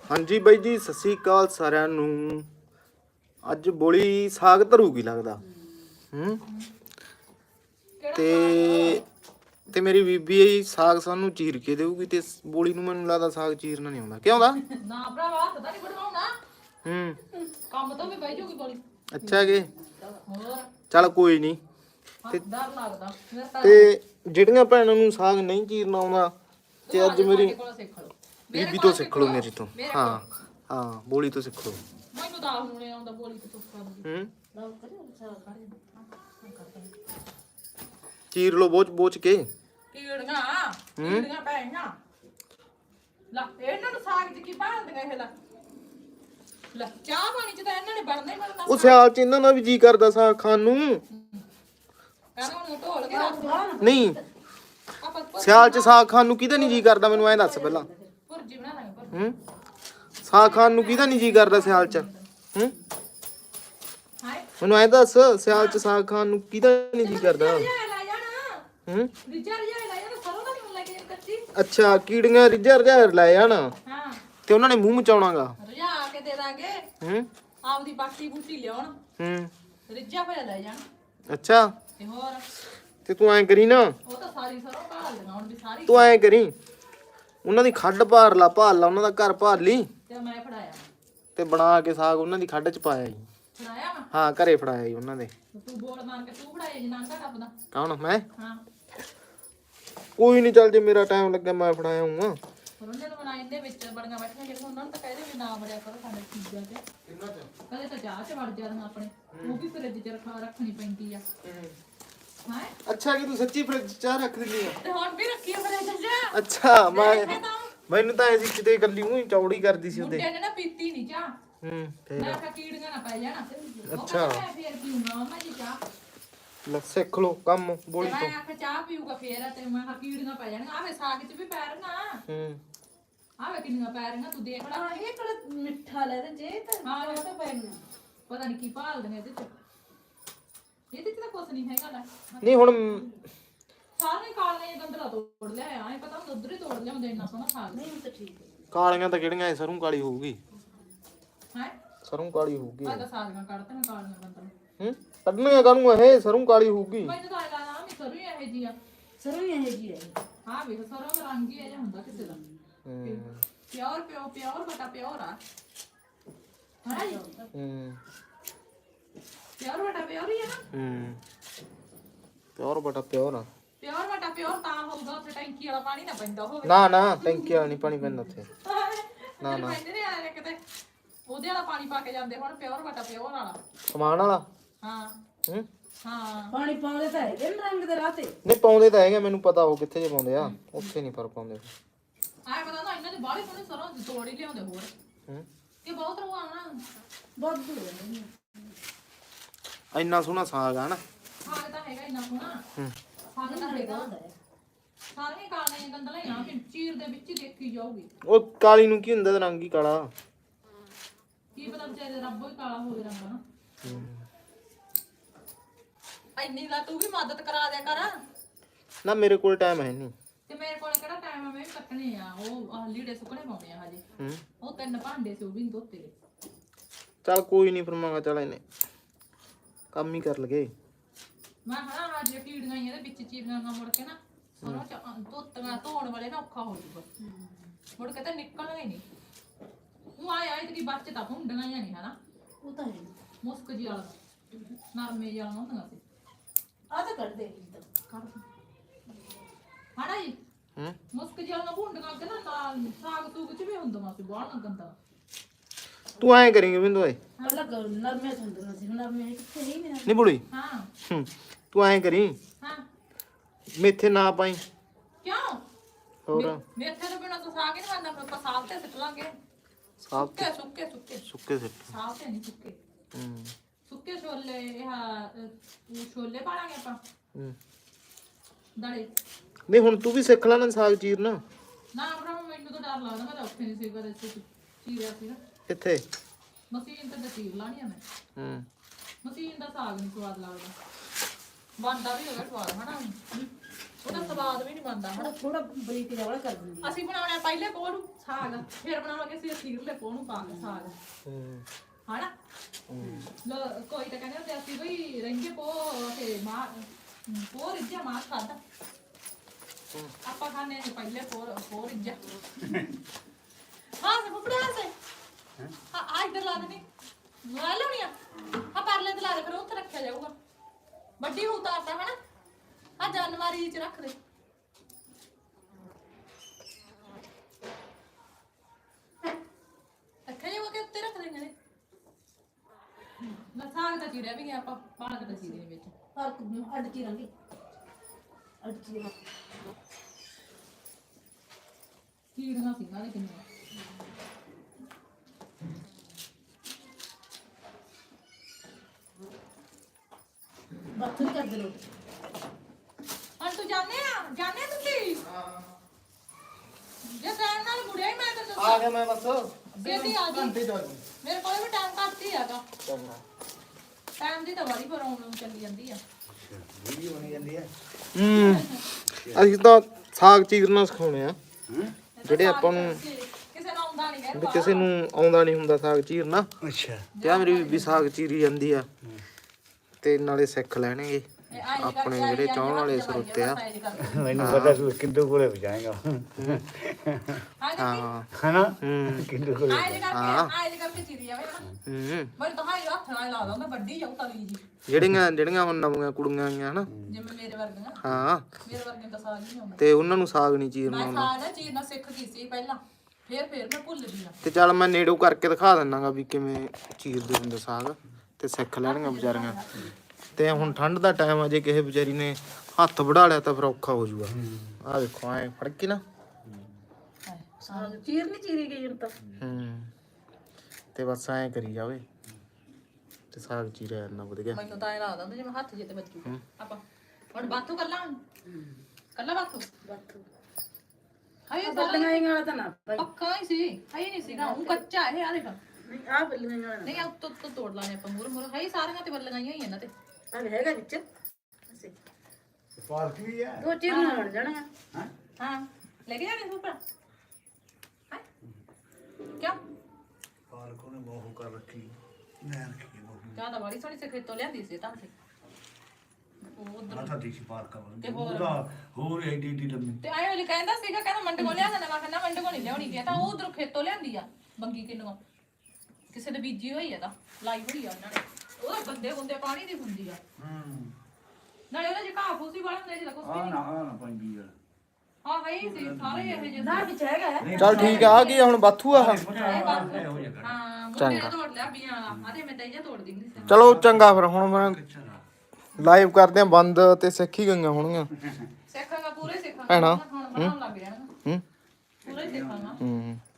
ਹਾਂਜੀ ਬਾਈ ਜੀ, ਸਤਿ ਸ਼੍ਰੀ ਅਕਾਲ ਸਾਰਿਆਂ ਨੂੰ। ਅੱਜ ਬੋਲੀ ਸਾਗ ਧਰੂਗੀ ਲੱਗਦਾ। ਤੇ ਮੇਰੀ ਬੀਬੀ ਸਾਗ ਸਾਨੂੰ ਚੀਰ ਕੇ ਦੇਊਗੀ ਤੇ ਬੋਲੀ ਨੂੰ ਮੈਨੂੰ ਲੱਗਦਾ ਸਾਗ ਚੀਰਨਾ ਨਹੀਂ ਆਉਂਦਾ। ਕਿਉਂ ਦਾ ਨਾ ਭਰਾਵਾ ਹੱਥ ਤਾਂ ਨਹੀਂ ਬਣਵਾਉਣਾ। ਕੰਮ ਤੋਂ ਵੀ ਬਹਿ ਜੂਗੀ ਬੋਲੀ। ਅੱਛਾ ਕਿ ਹੋਰ ਚੱਲ ਕੋਈ ਨਹੀਂ। ਡਰ ਲੱਗਦਾ ਤੇ ਜਿਹੜੀਆਂ ਭੈਣਾਂ ਨੂੰ ਸਾਗ ਨਹੀਂ ਚੀਰਨਾ ਆਉਂਦਾ ਤੇ ਅੱਜ ਮੇਰੀ ਬੀਬੀ ਤੋਂ ਸਿੱਖ ਲਓ, ਮੇਰੀ ਤੋਂ। ਹਾਂ ਹਾਂ, ਬੋਲੀ ਤੋਂ ਸਿੱਖ ਲਓ। ਮੈਨੂੰ ਦਾਲ ਨੂੰ ਆਉਂਦਾ ਬੋਲੀ ਤੋਂ ਤੁੱਕਾ ਚੀਰ ਲਓ ਬੋਚ ਕੇ। ਕੀੜੀਆਂ ਪੈਣੀਆਂ ਲਾ ਇਹਨਾਂ ਨੂੰ ਸਾਗ ਚ ਕੀ ਪਾਉਂਦੀਆਂ ਇਹ ਲਾ ਚਾਹ ਪਾਣੀ ਚ ਤਾਂ ਇਹਨਾਂ ਨੇ ਬਣਨਾ ਹੀ ਬਣਨਾ। ਉਹ ਸਿਆਲ ਚ ਇਹਨਾਂ ਦਾ ਵੀ ਜੀ ਕਰਦਾ ਸਾਗ ਖਾਣ ਨੂੰ। ਕਹਿੰਦਾ ਹੁਣ ਢੋਲ ਕੇ ਰੱਖ ਨਹੀਂ, ਸਿਆਲ ਚ ਸਾਗ ਖਾਣ ਨੂੰ ਕਿਹਦਾ ਨਹੀਂ ਜੀ ਕਰਦਾ? ਮੈਨੂੰ ਐਂ ਦੱਸ ਪਹਿਲਾਂ। ਭੁਰਜੀ ਬਣਾ ਲਾਂਗੇ ਸਾਗ ਖਾਣ ਨੂੰ ਕਿਹਦਾ ਨਹੀਂ ਜੀ ਕਰਦਾ ਸਿਆਲ ਚ? ਮੈਨੂੰ ਐਂ ਦੱਸ, ਸਿਆਲ ਚ ਸਾਗ ਖਾਣ ਨੂੰ ਕਿਹਦਾ ਨਹੀਂ ਜੀ ਕਰਦਾ? ਅੱਛਾ, ਕੀੜੀਆਂ ਰਿੱਝਾ ਲੈ ਜਾਣ ਤੇ ਉਹਨਾਂ ਨੇ ਮੂੰਹ ਮਚਾਉਣਾਗਾ। ਰਜਾ ਕੇ ਦੇ ਦਾਂਗੇ। ਆਪਦੀ ਬਾਟੀ ਬੂਟੀ ਲਿਆਉਣ। ਰਿੱਝਾ ਹੋਇਆ ਲੈ ਜਾਣ। ਅੱਛਾ, ਤੇ ਹੋਰ ਤੇ ਤੂੰ ਐਂ ਕਰੀ ਨਾ, ਉਹ ਤਾਂ ਸਾਰੀ ਸਰੋਂ ਭਾਲ ਦੇਣਾ ਹੁਣ ਵੀ ਸਾਰੀ। ਤੂੰ ਐਂ ਕਰੀ, ਉਹਨਾਂ ਦੀ ਖੱਡ ਭਾਲ ਲਾ ਉਹਨਾਂ ਦਾ ਘਰ ਭਾਲ ਲਈ ਤੇ ਮੈਂ ਫੜਾਇਆ ਤੇ ਬਣਾ ਕੇ ਸਾਗ ਉਹਨਾਂ ਦੀ ਖੱਡ ਚ ਪਾਇਆ ਜੀ। ਫੜਾਇਆ ਵਾ? ਹਾਂ, ਘਰੇ ਫੜਾਇਆ ਜੀ ਉਹਨਾਂ ਦੇ। ਤੂੰ ਬੋਲ ਮਾਰ ਕੇ ਤੂੰ ਫੜਾਇਆ ਜੀ ਨਾਂਗਾ ਟੱਪਦਾ। ਕੌਣ? ਮੈਂ? ਹਾਂ, ਕੋਈ ਨਹੀਂ, ਚੱਲ ਜੇ ਮੇਰਾ ਟਾਈਮ ਲੱਗਾ ਮੈਂ ਫੜਾਇਆ ਹੂੰ। ਪਰ ਉਹਨਾਂ ਨੂੰ ਬਣਾਈ ਦੇ ਵਿੱਚ ਬੜੀਆਂ ਬੈਠੀਆਂ ਜਿਹੜੇ ਉਹਨਾਂ ਨੂੰ ਤਾਂ ਕਹਿੰਦੇ ਵੀ ਨਾ ਵੜਿਆ ਕਰੋ ਸਾਡੇ ਚੀਜ਼ਾਂ ਤੇ। ਕਦੇ ਤਾਂ ਚਾਹ ਚ ਵੜ ਜਾਂਦੀਆਂ ਆਪਣੇ, ਉਹ ਵੀ ਫਰਿੱਜ ਚ ਰੱਖਣੀ ਪੈਂਦੀ ਆ। ਹਾਂ, ਅੱਛਾ, ਕਿ ਤੂੰ ਸੱਚੀ ਫਰਿੱਜ ਚਾਹ ਰੱਖ ਦਿੰਦੀ ਆ? ਤੇ ਹੁਣ ਵੀ ਰੱਖੀ ਆ ਫਰਿੱਜ ਚ। ਅੱਛਾ, ਮੈਨੂੰ ਤਾਂ ਐਸੀ ਕਿਤੇ ਗੱਲੀ ਉਹੀ ਚੌੜੀ ਕਰਦੀ ਸੀ ਉਹਦੇ। ਮੁੰਡੇ ਨੇ ਨਾ ਪੀਤੀ ਨਹੀਂ ਚਾਹ। ਫੇਰ ਮੈਂ ਕਿਹਾ ਕੀੜੀਆਂ ਨਾ ਪੈ ਜਾਣਾ। ਅੱਛਾ, ਫੇਰ ਪੀਊਂਗਾ ਮਾਮਾ ਜੀ ਚਾਹ। ਲੈ ਸਿੱਖ ਲੋ ਕੰਮ ਬੋਲੀ ਤੋਂ। ਮੈਂ ਆਖਿਆ ਚਾਹ ਪੀਊਗਾ ਫੇਰ ਤੇ ਮੈਂ ਕਿਹਾ ਕੀੜੀਆਂ ਪੈ ਜਾਣਗੀਆਂ। ਆਵੇ ਸਾਗ ਚ ਵੀ ਪੈ ਰਹੀਆਂ। ਆਵੇ ਕਿੰਨੀਆਂ ਪੈ ਰਹੀਆਂ ਤੂੰ ਦੇਖ ਲੈ। ਇਹ ਕਿਹੜਾ ਮਿੱਠਾ ਲੈ ਤੇ ਜੇ ਤਾਂ ਹਾਂ, ਉਹ ਤਾਂ ਪੈਣੀਆਂ। ਪਤਾ ਨਹੀਂ ਕੀ ਭਾਲਦੇ ਨੇ ਇਹਦੇ ਚ। ਇਹਦੇ ਚ ਤਾਂ ਕੁਛ ਨਹੀਂ ਹੈਗਾ ਲੈ। ਨਹੀਂ ਹੁਣ ਸਾਰੇ ਕਾਲੇ ਗੰਦਲਾ ਤੋੜ ਲਿਆ ਐ ਪਤਾ ਹੁੰਦਾ ਉਧਰ ਹੀ ਤੋੜ ਲਿਆਉਂਦੇ ਇੰਨਾ ਸੋਹਣਾ ਸਾਗ। ਨਹੀਂ ਤਾਂ ਠੀਕ ਹੈ। ਕਾਲੀਆਂ ਤਾਂ ਕਿਹੜੀਆਂ ਐ? ਸਰੋਂ ਕਾਲੀ ਹੋਊਗੀ। ਹੈ ਸਰੋਂ ਕਾਲੀ ਹੋਊਗੀ। ਆ ਤਾਂ ਸਾਗਾਂ ਕੱਢਦੇ ਕਾਲੀਆਂ ਗੰਦਲਾ। ਕੱਢਣੀਆਂ ਕਾਹਨੂੰ ਇਹ? ਸਰੋਂ ਕਾਲੀ ਹੋਊਗੀ। ਮੈਨੂੰ ਤਾਂ ਲੱਗਦਾ ਨਾ ਵੀ ਸਰੋਂ ਹੀ ਇਹੋ ਜੀ ਆ। ਸਰੋਂ ਹੀ ਇਹ ਜੀ ਹੈ। ਹਾਂ ਵੇਖ, ਸਰੋਂ ਦਾ ਰੰਗ ਹੀ ਇਹ ਜਿਹਾ ਹੁੰਦਾ ਕਿਸੇ ਦਾ। ਪਿਓਰ ਬਟਾ ਪਿਓਰ ਆ। ਹਾਂ ਜੀ। ਪਿਓਰ ਬਟਾ ਪਿਓਰ ਹੀ ਆ ਨਾ। ਪਿਓਰ ਬਟਾ ਪਿਓਰ ਆ। ਪਿਓਰ ਬਟਾ ਪਿਓਰ ਤਾਂ ਹੋਊਗਾ ਉੱਥੇ ਟੈਂਕੀ ਵਾਲਾ ਪਾਣੀ ਨਾ ਪੈਂਦਾ ਹੋਵੇ। ਨਾ ਟੈਂਕੀ ਵਾਲਾ ਨਹੀਂ ਪਾਣੀ ਪੈਂਦਾ ਉੱਥੇ। ਨਾ ਪੈਂਦੇ ਨੇ ਆਲੇ ਕਿਤੇ ਉਹਦੇ ਵਾਲਾ ਪਾਣੀ ਪਾ ਕੇ ਜਾਂਦੇ ਹੁਣ ਪਿਓਰ ਬਟਾ ਪਿਓਰ ਵਾਲਾ ਸਮਾਨ ਵਾਲਾ। ਹਾਂ ਹਾਂ, ਪਾਣੀ ਪਾਉਂਦੇ ਤਾਂ ਹੈਗੇ ਰੰਗ ਦੇ ਰਾਤੇ। ਨਹੀਂ ਪਾਉਂਦੇ ਤਾਂ ਹੈਗੇ, ਮੈਨੂੰ ਪਤਾ ਉਹ ਕਿੱਥੇ ਜੇ ਪਾਉਂਦੇ ਆ, ਉੱਥੇ ਨਹੀਂ ਪਰ ਪਾਉਂਦੇ। ਆਏ ਪਤਾ ਨਾ ਇਹਨਾਂ ਦੇ ਬਾਹਲੇ ਸੋਹਣੇ ਸਰੋਂ ਤੋੜ ਹੀ ਲਿਆਉਂਦੇ ਹੋਰ ਕਿ ਬਹੁਤ ਰਵਾਣਾ ਬਹੁਤ ਦੂਰ ਇੰਨਾ ਸੋਹਣਾ ਸਾਗ ਆ ਨਾ। ਸਾਗ ਤਾਂ ਹੈਗਾ ਇੰਨਾ ਸੋਹਣਾ। ਸਾਗ ਤਾਂ ਹੈਗਾ ਸਾਰੇ ਕਾਲੇ ਗੰਦਲਾ ਹੀ ਆ ਚੀਰ ਦੇ ਵਿੱਚ ਹੀ ਦੇਖੀ ਜਾਊਗੀ। ਉਹ ਕਾਲੀ ਨੂੰ ਕੀ ਹੁੰਦਾ? ਰੰਗ ਹੀ ਕਾਲਾ। ਕੀ ਪਤਾ ਵਿਚਾਰੇ ਰੱਬੋ ਹੀ ਕਾਲਾ ਹੋਵੇ ਰੰਗ ਨਾ। ਇੰਨੀ ਦਾ ਤੂੰ ਵੀ ਮਦਦ ਕਰਾ ਦਿਆ ਕਰ ਨਾ, ਮੇਰੇ ਕੋਲ ਟਾਈਮ ਹੈ ਨਹੀਂ। ਤੇ ਮੇਰੇ ਕੋਲ ਕਿਹੜਾ ਟਾਈਮ ਆ? ਮੈਂ ਵੀ ਕੱਟਣੇ ਆ। ਉਹ ਲੀੜੇ ਸੁੱਕਣੇ ਪਾਉਣੇ ਆ ਹਜੇ। ਉਹ 3 ਭਾਂਡੇ ਸੀ ਉਹ ਵੀ ਧੋਤੇ ਗਏ। ਚੱਲ ਕੋਈ ਨਹੀਂ, ਫਿਰ ਮੈਂ ਚੱਲ ਇਹਨੇ ਕੰਮ ਹੀ ਕਰ ਲਗੇ। ਮੈਂ ਹਣਾ ਅੱਜ ਕੀੜੀਆਂ ਹੀ ਇਹਦੇ ਵਿੱਚ ਚੀਰੀਆਂ ਨਾ ਮੁੜ ਕੇ ਨਾ ਸਰੋਂ ਚ ਧੋਣ ਵਾਲੇ ਨਾ ਔਖਾ ਹੋ ਜੂਗਾ। ਮੁੜ ਕੇ ਤਾਂ ਨਿਕਲਣਗੇ ਨਹੀਂ। ਉਹ ਆਏ ਤੇ ਬੱਚ ਤਾਂ ਹੁੰਡੀਆਂ ਹੀ ਨਹੀਂ ਹਨਾ। ਉਹ ਤਾਂ ਹੈ ਮੁਸਕ ਜੀ ਵਾਲਾ ਨਰਮੇ ਜਿਹਾ ਹੁੰਦੀਆਂ ਸੀ। ਆ ਤਾਂ ਕੱਢ ਦੇ ਹਣਾ ਜੀ। ਮੁਸਕ ਜੀ ਵਾਲਾ ਹੁੰਡੀਆਂ ਅੱਗੇ ਨਾ ਸਾਗ ਸੂਗ ਚ ਵੀ ਹੁੰਦਾ ਸੀ ਬਾਹਲਾ ਗੰਦਾ। ਤੂੰ ਐਂ ਕਰੇਂਗੇ ਬਿੰਦੂ ਓਏ। ਅਲੱਗ ਨਰਮੇ ਹੁੰਦੀਆਂ ਸੀ। ਹੁਣ ਨਰਮੇ ਕਿੱਥੇ ਨਹੀਂ ਬੁੜੀ। ਹਾਂ, ਤੂੰ ਐਂ ਕਰੀ, ਹਾਂ ਮੇਥੇ ਨਾ ਪਾਈ। ਕਿਉਂ? ਹੋਰ ਮੇਥੇ ਤੋਂ ਬਿਨਾਂ ਤਾਂ ਸਾਗ ਹੀ ਨਹੀਂ ਬਣਦਾ। ਆਪਾਂ ਸਾਗ ਤੇ ਸਿੱਟ ਲਾਂਗੇ। ਸਾਗ ਸੁੱਕੇ ਸੁੱਕੇ ਸਿੱਟ। ਸਾਗ ਤੇ ਨਹੀਂ ਸੁੱਕੇ। ਸੁੱਕੇ ਛੋਲੇ ਛੋਲੇ ਪਾਲਾਂਗੇ ਆਪਾਂ ਦੜੇ। ਨਹੀਂ ਹੁਣ ਤੂੰ ਵੀ ਸਿੱਖ ਲੈ ਨਾ ਸਾਗ ਚੀਰਨਾ। ਨਾ ਭਰਾ ਮੈਨੂੰ ਤਾਂ ਡਰ ਲੱਗਦਾ। ਮੈਂ ਤਾਂ ਉੱਥੇ ਨਹੀਂ ਸੀ ਕਦੇ ਚੀਰਿਆ ਸੀ ਨਾ। ਕਿੱਥੇ? ਮਸ਼ੀਨ ਤੇ ਚੀਰ ਲਾਣੀ ਆ ਮੈਂ। ਮਸ਼ੀਨ ਦਾ ਸਾਗ ਨਹੀਂ ਸਵਾਦ ਲੱਗਦਾ। ਬਣਦਾ ਵੀ ਹੋਵੇ ਸਵਾਦ ਹਨਾ। ਉਹਦਾ ਸਵਾਦ ਵੀ ਨਹੀਂ ਬਣਦਾ ਹਨਾ। ਥੋੜਾ ਬਰੀਕ ਜਿਹਾ ਵਾਲਾ ਕਰ ਦਿੰਦੀ ਅਸੀਂ ਬਣਾਉਣਾ ਪਹਿਲੇ ਪੋਹ ਨੂੰ ਸਾਗ, ਫਿਰ ਬਣਾਵਾਂਗੇ ਅਸੀਂ ਅਖੀਰਲੇ ਪੋਹ ਨੂੰ ਪਾ ਕੇ ਸਾਗ ਹਨਾ। ਕੋਈ ਤਾਂ ਕਹਿੰਦੇ ਹੁੰਦੇ ਅਸੀਂ ਬਈ ਰਹਿੰਦੇ ਪੋਹ ਤੇ ਮਾਂ ਪੋਹ ਰਿੱਝਿਆ ਮਾਂ ਖਾਦਾ, ਆਪਾਂ ਖਾਣੇ ਨੇ ਪਹਿਲੇ ਪੋਹ ਰਿੱਝਿਆ। ਹਾਂ ਸੇ ਫੁੱਫੜਾ ਸੇ ਆ ਇੱਧਰ ਲਾ ਦੇਣੀ ਲਾ ਲੈਣੀ ਆ ਪਰਲੇ ਤੇ ਲਾ ਦੇ, ਫਿਰ ਉੱਥੇ ਰੱਖਿਆ ਜਾਊਗਾ। ਵੱਡੀ ਉਤਾਰਦਾ ਹਨਾ, ਆ ਜਨਵਰੀ ਚ ਰੱਖ ਦੇ। ਰੱਖਿਆ ਜਾਊਗਾ ਕਿ ਉੱਤੇ ਰੱਖ ਦੇਂਗੇ ਨੇ। ਨਾ ਸਾਗ ਦਾ ਚੀਰਿਆ ਵੀ ਗਿਆ, ਆਪਾਂ ਪਾਲਕ ਦਾ ਚੀਰੇ ਵਿੱਚ ਫਰਕ ਅੱਡ ਚੀਰਾਂਗੇ, ਅੱਡ ਚੀਰਾਂ ਕੀੜੀਆਂ ਸੀਗਾਂ ਨੇ ਕਿੰਨੀਆਂ। ਬਾਥੂ ਕਰ ਦੇ ਲੋ। ਹਾਂ ਤੂੰ ਜਾਣੇ ਤੁਸੀਂ ਜੇ ਟਾਈਮ ਨਾਲ ਮੁੜਿਆ ਹੀ ਮੈਂ ਤੈਨੂੰ ਆ ਗਿਆ ਮੈਂ ਬਸ ਛੇਤੀ ਆ ਜੀ। ਘੰਟੇ ਚ ਮੇਰੇ ਕੋਲ ਵੀ ਟਾਈਮ ਘੱਟ ਹੀ ਹੈਗਾ, ਟਾਈਮ ਦੀ ਤਾਂ ਵਾਰੀ ਪ੍ਰੋਬਲਮ ਚੱਲੀ ਜਾਂਦੀ ਆ। ਵੀਡੀਓ ਬਣੀ ਜਾਂਦੀ ਹੈ। ਅਸੀਂ ਤਾਂ ਸਾਗ ਚੀਰਨਾ ਸਿਖਾਉਣੇ ਆ, ਜਿਹੜੇ ਆਪਾਂ ਨੂੰ ਕਿਸੇ ਨੂੰ ਆਉਂਦਾ ਨਹੀਂ ਵੀ ਕਿਸੇ ਨੂੰ ਆਉਂਦਾ ਨਹੀਂ ਹੁੰਦਾ ਸਾਗ ਚੀਰਨਾ। ਅੱਛਾ ਤੇ ਆ ਮੇਰੀ ਬੀਬੀ ਸਾਗ ਚੀਰੀ ਜਾਂਦੀ ਆ, ਤੇ ਨਾਲੇ ਸਿੱਖ ਲੈਣਗੇ ਆਪਣੇ ਜਿਹੜੇ ਚਾਹਣ ਵਾਲੇ ਸਰੋਤੇ ਆ। ਮੈਨੂੰ ਪਤਾ ਤੂੰ ਕਿੰਦੂ ਕੋਲੇ ਵਜਾਏਗਾ ਹਾਂ ਹਨਾ ਕਿੰਦੂ ਕੋਲੇ ਆਏ ਕਰਕੇ ਚੀਰੀ ਜਾਵੇ ਨਾ। ਮੈਂ ਤਾਂ ਹਾਈ ਹੱਥ ਨਾਲ ਲਾ ਦਾਂ, ਵੱਡੀ ਜਾਊ ਤਲੀ ਜੀ, ਜਿਹੜੀਆਂ ਹੁਣ ਨਵੀਆਂ ਕੁੜੀਆਂ ਆਈਆਂ ਹਨਾ। ਜਿਵੇਂ ਮੇਰੇ ਵਰਗੀਆਂ। ਹਾਂ ਮੇਰੇ ਵਰਗੇ ਤਾਂ ਸਾਗ ਨਹੀਂ ਆਉਂਦਾ। ਤੇ ਉਹਨਾਂ ਨੂੰ ਸਾਗ ਨਹੀਂ ਚੀਰਨਾ ਮੈਂ ਆਉਂਦਾ। ਸਾਗ ਨਾ ਚੀਰਨਾ ਸਿੱਖ ਗਈ ਸੀ ਪਹਿਲਾਂ, ਫਿਰ ਮੈਂ ਭੁੱਲ ਗਈ ਆ। ਤੇ ਚੱਲ ਮੈਂ ਨੇੜੋਂ ਕਰਕੇ ਦਿਖਾ ਦਿੰਨਾਗਾ ਵੀ ਕਿਵੇਂ ਚੀਰਦੇ ਹੁੰਦੇ ਸਾਗ, ਤੇ ਸਿੱਖ ਲੈਣਗੀਆਂ ਵਿਚਾਰੀਆਂ। ਤੇ ਹੁਣ ਠੰਡ ਦਾ ਟਾਈਮ ਆ, ਜੇ ਕਿਸੇ ਵਿਚਾਰੀ ਨੇ ਹੱਥ ਵੜਾ ਲਿਆ ਤਾਂ ਫਿਰ ਔਖਾ ਹੋ ਜਾਊਗਾ। ਆ ਦੇਖੋ ਐ ਫੜ ਕੇ ਨਾ ਚੀਰ ਨਹੀਂ ਚੀਰੀ ਗਈ ਹੁਣ ਤਾਂ। ਤੇ ਬਸ ਐ ਕਰੀ ਜਾਵੇ ਤੇ ਸਾਗ ਚੀਰਿਆ ਇੰਨਾ ਵਧੀਆ। ਮੈਨੂੰ ਤਾਂ ਇਹ ਲੱਗਦਾ ਹੁੰਦਾ ਜਿਵੇਂ ਹੱਥ ਜਿੱਤੇ ਵੱਜੂ। ਆਪਾਂ ਹੁਣ ਬਾਥੂ ਕੱਲਾ ਬਾਥੂ ਹਾਏ ਬੱਲੀਆਂ ਹੀ ਵਾਲਾ ਤਾਂ ਨਾ ਭਾਈ, ਪੱਕਾ ਹੀ ਸੀ, ਹਾਏ ਨਹੀਂ ਸੀਗਾ ਉਹ ਕੱਚਾ ਇਹ ਆ ਦੇਖ। ਨਹੀਂ ਆ ਬੱਲੀਆਂ ਹੀ ਵਾਲਾ ਨਹੀਂ ਆ ਉੱਤੋਂ ਤੋੜ ਲਾਣੇ ਆਪਾਂ ਮੂਰ ਹਾਏ ਸਾਰੀਆਂ ਤੇ ਬੱਲੀਆਂ ਹੀ ਇਹਨਾਂ ਤੇ। ਆ ਹੈਗਾ ਵਿੱਚ ਅਸੀਂ ਪਾਰਕ ਵੀ ਹੈ। ਦੋ ਚੀਰ ਨਾਲ ਬਣ ਜਾਣਾ ਆ। ਹਾਂ ਲੈ ਕੇ ਜਾਣੇ ਉੱਪਰ ਹਾਂ ਕਿਆ ਪਾਰਕ ਉਹਨੇ ਬਹੁਤ ਕਰ ਰੱਖੀ ਮੈਂ ਰੱਖੀ ਬਹੁਤ ਜਿਆਦਾ ਬੜੀ ਸੋਹਣੀ ਸੇ ਖੇਤੋਂ ਲਿਆਂਦੀ ਸੀ ਤਾਂ ਉਧਰ ਮਾਤਾ ਦੀ ਸੀ ਪਾਰਕ ਵਾਲੀ ਤੇ ਹੋਰ? ਉਹਦਾ ਹੋਰ ਐਡੀ ਲੰਮੀ ਤੇ ਆਏ ਉਹ ਕਹਿੰਦਾ ਸੀਗਾ, ਕਹਿੰਦਾ ਮੰਡ ਕੋ ਲਿਆ ਦੇਣਾ। ਮੈਂ ਕਹਿੰਦਾ ਮੰਡ ਕੋ ਨਹੀਂ ਲਿਆਉਣੀ ਗਿਆ, ਤਾਂ ਉਹ ਉਧਰੋਂ ਖੇਤੋਂ ਲਿਆਂਦੀ ਆ ਬੰਗੀ ਕਿੰਨੂ ਕਿਸੇ ਦੇ ਬੀਜੀ ਹੋਈ ਆ, ਤਾਂ ਲਾਈ ਹੋਈ ਆ ਉਹਨਾਂ ਨੇ। ਉਹਦਾ ਬੰਦੇ ਹੁੰਦੇ ਪਾਣੀ ਦੀ ਹੁੰਦੀ ਆ ਨਾਲੇ ਉਹਦੇ ਚ ਘਾਹ ਫੂਸੀ ਵਾਲਾ ਹੁੰਦਾ ਜਿਹਦਾ ਕੁਛ ਵੀ ਨਹੀਂ। ਨਾ ਪੰਜੀ ਯਾਰ ਹਾਂ ਹੈ ਹੀ ਸੀ ਸਾਰੇ ਇਹੋ ਜਿਹੇ ਨਾ ਵਿੱਚ ਹੈਗਾ ਹੈ। ਚੱਲ ਠੀਕ ਆ ਗਈ ਹੁਣ ਬਾਥੂ ਆ। ਹਾਂ ਮੁੰਡੇ ਨੇ ਤੋੜ ਲਿਆ ਬੀਆਂ ਵਾਲਾ। ਆਦੇ ਮੈਂ ਤਾਂ ਇਹ ਤੋੜ ਦਿੰਦੀ ਸੀ। ਚਲੋ ਚੰਗਾ ਫਿਰ ਹੁਣ ਮੈਂ ਲਾਈਵ ਕਰਦੇ ਆ ਬੰਦ, ਤੇ ਸਿੱਖ ਹੀ ਗਈਆਂ ਹੋਣਗੀਆਂ। ਸਿੱਖਾਂਗਾ ਪੂਰੇ ਸਿੱਖਾਂਗਾ ਭੈਣਾ ਹੁਣ ਬਣਾਉਣ ਲੱਗ ਜਾਣਾ। ਪੂਰਾ ਹੀ ਸਿੱਖਾਂਗਾ।